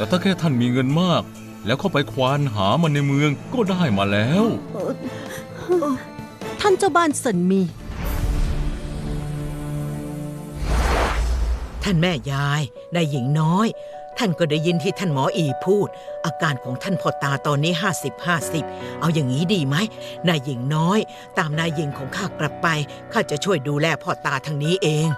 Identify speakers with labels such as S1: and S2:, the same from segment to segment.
S1: แต่ถ้าแค่ท่านมีเงินมากแล้วเข้าไปควานหามันในเมืองก็ได้มาแล้ว
S2: ท่านเจ้าบ้านเซินมี
S3: ท่านแม่ยายนายหญิงน้อยท่านก็ได้ยินที่ท่านหมออีพูดอาการของท่านพ่อตาตอนนี้50-50เอาอย่างนี้ดีไหมนายหญิงน้อยตามนายหญิงของข้ากลับไปข้าจะช่วยดูแลพ่อตาทางนี้เอง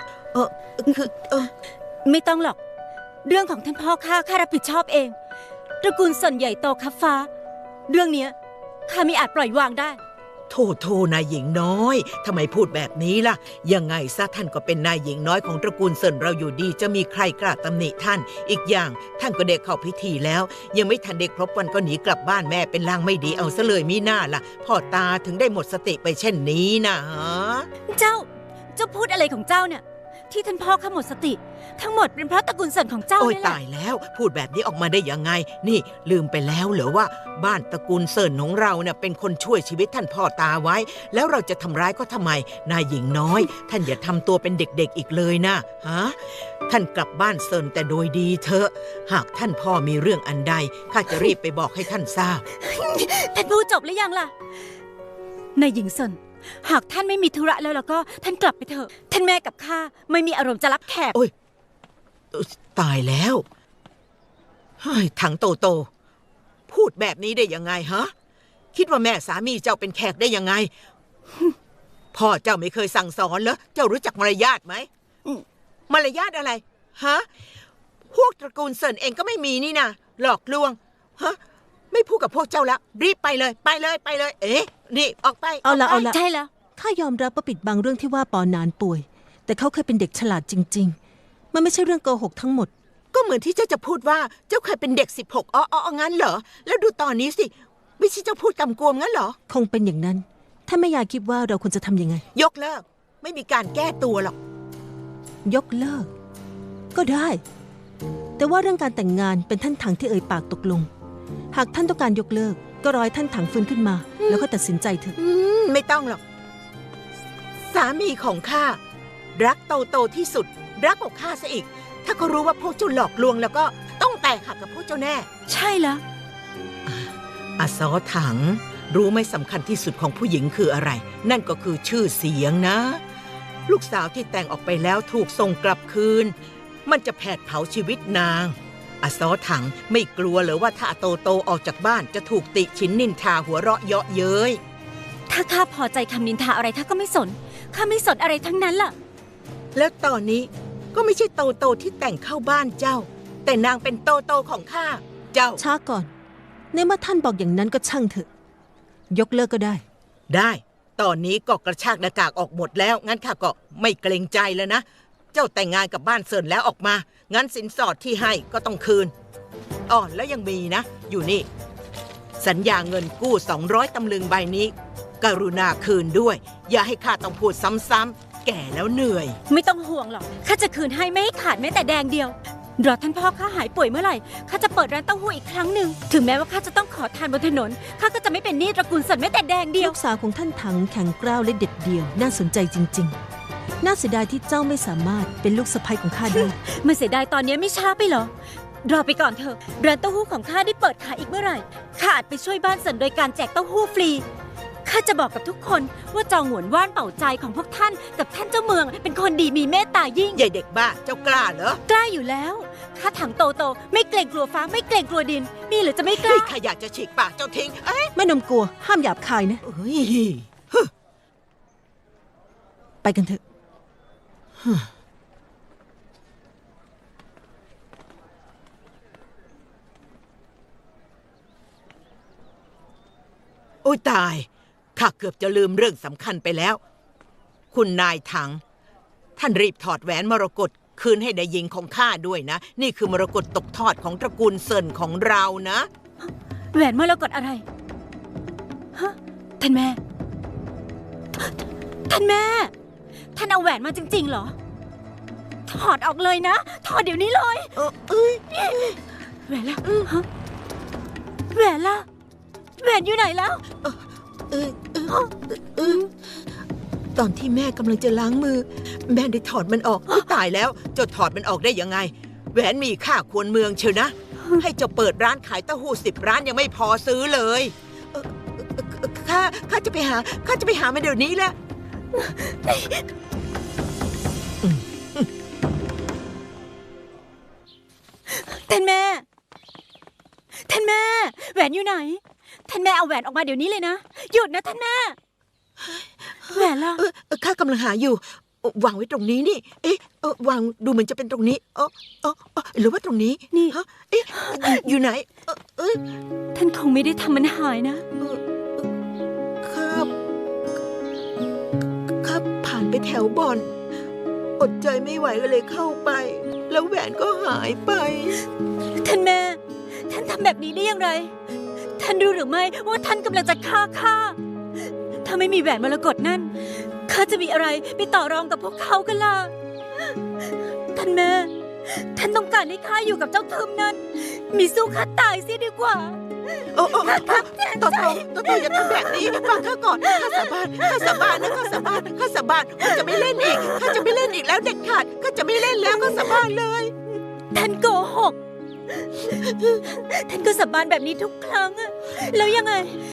S4: ไม่ต้องหรอกเรื่องของท่านพ่อข้ารับผิดชอบเองตระกูลส่วนใหญ่โตคับฟ้าเรื่องเนี้ยข้าไม่อาจปล่อยวางได้
S3: โทนายหญิงน้อยทำไมพูดแบบนี้ล่ะยังไงซะท่านก็เป็นนายหญิงน้อยของตระกูลเซินเราอยู่ดีจะมีใครกล้าตำหนิท่านอีกอย่างท่านก็เด็กเข้าพิธีแล้วยังไม่ทันเด็กครบวันก็หนีกลับบ้านแม่เป็นลางไม่ดีเอาซะเลยมีหน้าล่ะพ่อตาถึงได้หมดสติไปเช่นนี้นะ
S4: เจ้าพูดอะไรของเจ้าเนี่ยที่ท่านพ่อข้าหมดสติทั้งหมดเป็นเพราะตระกูลเซินของเจ้านี่แหละ
S3: โอ้ยตายแล้วพูดแบบนี้ออกมาได้ยังไงนี่ลืมไปแล้วเหรอว่าบ้านตระกูลเซินของเราเนี่ยเป็นคนช่วยชีวิตท่านพ่อตาไว้แล้วเราจะทำร้ายก็ทำไมนายหญิงน้อยท่านอย่าทำตัวเป็นเด็กๆอีกเลยนะฮะท่านกลับบ้านเซินแต่โดยดีเถอะหากท่านพ่อมีเรื่องอันใดข้าจะรีบไปบอกให้ท่านทราบ
S4: ท่านพูดจบหรือยังล่ะนายหญิงเซินหากท่านไม่มีธุระแล้วก็ท่านกลับไปเถอะท่านแม่กับข้าไม่มีอารมณ์จะรับแขก
S3: โอ้ยตายแล้วถังโตพูดแบบนี้ได้ยังไงฮะคิดว่าแม่สามีเจ้าเป็นแขกได้ยังไงพ่อเจ้าไม่เคยสั่งสอนเหรอเจ้ารู้จักมารยาทไหมมารยาทอะไรฮะพวกตระกูลเซินเองก็ไม่มีนี่นะหลอกลวงฮะไม่พูดกับพวกเจ้าแล้วรีบไปเลยเอ๊ะนี่ออกไป
S2: เอาละ
S4: ใช่แล้ว
S2: ข้ายอมรับว่าปิดบังเรื่องที่ว่าปอนานป่วยแต่เขาเคยเป็นเด็กฉลาดจริงๆมันไม่ใช่เรื่องโกหกทั้งหมด
S3: ก็เหมือนที่เจ้าจะพูดว่าเจ้าเคยเป็นเด็ก16งั้นเหรอแล้วดูตอนนี้สิไม่ใช่เจ้าพูดกำกวมงั้นเหรอ
S2: คงเป็นอย่างนั้นถ้าแม่ยายคิดว่าเราควรจะทำยังไง
S3: ยกเลิกไม่มีการแก้ตัวหรอก
S2: ยกเลิกก็ได้แต่ว่าเรื่องการแต่งงานเป็นท่านถังที่เอ่ยปากตกลงหากท่านต้องการยกเลิกก็รอให้ท่านถังฟื้นขึ้นมาแล้วก็ตัดสินใจเถอะ
S3: ไม่ต้องหรอกสามีของข้ารักโตที่สุดรักกว่าข้าซะอีกถ้าเขารู้ว่าพวกเจ้าหลอกลวงแล้วก็ต้องแตกหักกับพวกเจ้าแน่
S4: ใช่แล้ว
S3: อาซอถังรู้ไหมสำคัญที่สุดของผู้หญิงคืออะไรนั่นก็คือชื่อเสียงนะลูกสาวที่แต่งออกไปแล้วถูกส่งกลับคืนมันจะแผดเผาชีวิตนางอาซอถังไม่กลัวเหรอว่าถ้าโตออกจากบ้านจะถูกติฉินนินทาหัวเราะเยาะเย้ย
S4: ถ้าข้าพอใจคำนินทาอะไรข้าก็ไม่สนข้าไม่สนอะไรทั้งนั้นล่ะ
S3: แล้วตอนนี้ก็ไม่ใช่โตที่แต่งเข้าบ้านเจ้าแต่นางเป็นโตของข้าเจ้า
S2: ช้าก่อนในเมื่อท่านบอกอย่างนั้นก็ช่างเถอะยกเลิกก็ได้
S3: ตอนนี้ก็กระชากหน้ากากออกหมดแล้วงั้นข้าก็ไม่เกรงใจแล้วนะเจ้าแต่งงานกับบ้านเซินแล้วออกมางั้นสินสอดที่ให้ก็ต้องคืนแล้วยังมีนะอยู่นี่สัญญาเงินกู้200 ตำลึงใบนี้กรุณาคืนด้วยอย่าให้ข้าต้องพูดซ้ำๆแก่แล้วเหนื่อย
S4: ไม่ต้องห่วงหรอกข้าจะคืนให้ไม่ให้ขาดแม้แต่แดงเดียวรอท่านพ่อข้าหายป่วยเมื่อไหร่ข้าจะเปิดร้านเต้าหู้อีกครั้งหนึ่งถึงแม้ว่าข้าจะต้องขอทานบนถนนข้าก็จะไม่เป็นหนี้ตระกูลเซินแม้แต่แดงเดียว
S2: ลูกสาวของท่านถังแข็งกร้าวและเด็ดเดี่ยวน่าสนใจจริงๆน่าเสียดายที่เจ้าไม่สามารถเป็นลูกสะใภ้ของข้าได้
S4: ไม่เสียดายตอนนี้ไม่ช้าไปหรอรอไปก่อนเถอะร้านเต้าหู้ของข้าได้เปิดขายอีกเมื่อไหร่ข้าอาจไปช่วยบ้านเซินโดยการแจกเต้าหู้ฟรีข้าจะบอกกับทุกคนว่าจองหวนว่านเป่าใจของพวกท่านกับท่านเจ้าเมืองเป็นคนดีมีเมตตายิ่ง
S3: ใหญ่เด็กบ้าเจ้ากล้าเหรอก
S4: ล้าอยู่แล้วข้าถังโตไม่เกรงกลัวฟ้าไม่เกรงกลัวดินมีหรือจะไม่กล้า
S3: ข้าอยากจะฉีกปากเจ้าทิ้ง
S2: ไม่นมกลัวห้ามหยาบคายนะไปกันเถอะ
S3: โอ้ตายข้าเกือบจะลืมเรื่องสำคัญไปแล้วคุณนายถังท่านรีบถอดแหวนมรกตคืนให้นายหญิงของข้าด้วยนะนี่คือมรกตตกทอดของตระกูลเซินของเรานะ
S4: แหวนมรกตอะไรฮะท่านแม่ท่านเอาแหวนมาจริงๆเหรอถอดออกเลยนะถอดเดี๋ยวนี้เลยแหวนละแหวนละแหวนอยู่ไหนแล้ว
S3: ตอนที่แม่กำลังจะล้างมือแม่ได้ถอดมันออกตายแล้วจะถอดมันออกได้ยังไงแหวนมีค่าควรเมืองเชียวนะให้เจ้าเปิดร้านขายเต้าหู้10 ร้านยังไม่พอซื้อเลยข้าจะไปหามาเดี๋ยวนี้แหละ
S4: ท่านแม่ ท่านแม่ แหวนอยู่ไหน ท่านแม่เอาแหวนออกมาเดี๋ยวนี้เลยนะ หยุดนะท่านแม่ แหวนล่ะ
S3: ข้ากำลังหาอยู่วางไว้ตรงนี้นี่ เอ๊ะวางดูเหมือนจะเป็นตรงนี้หรือว่าตรงนี้
S4: นี่
S3: ฮะเอ๊ะอยู่ไหน
S4: ท่านคงไม่ได้ทำมันหายนะ
S3: ข้าผ่านไปแถวบ่อน อดใจไม่ไหวก็เลยเข้าไป แล้วแหวนก็หายไป
S4: ท่านแม่ ท่านทำแบบนี้ได้อย่างไร ท่านรู้หรือไม่ว่าท่านกำลังจะฆ่าข้า ถ้าไม่มีแหวนมรกตนั่น ข้าจะมีอะไรไปต่อรองกับพวกเขากันล่ะ ท่านแม่ ท่านต้องการให้ข้าอยู่กับเจ้าทึมนั้น มีสู้ข้าตายเสียดีกว่า
S3: โต่ออย่าทำแบบนี้ฟังข้าก่อนข้าสาบานนะข้าสาบานข้าจะไม่เล่นอีกแล้วเด็ดขาดข้าจะไม่เล่นแล้วข้าสาบานเลย
S4: ท่านโกหก ท่านก็สาบานแบบนี้ทุกครั้งอะแล้วยังไง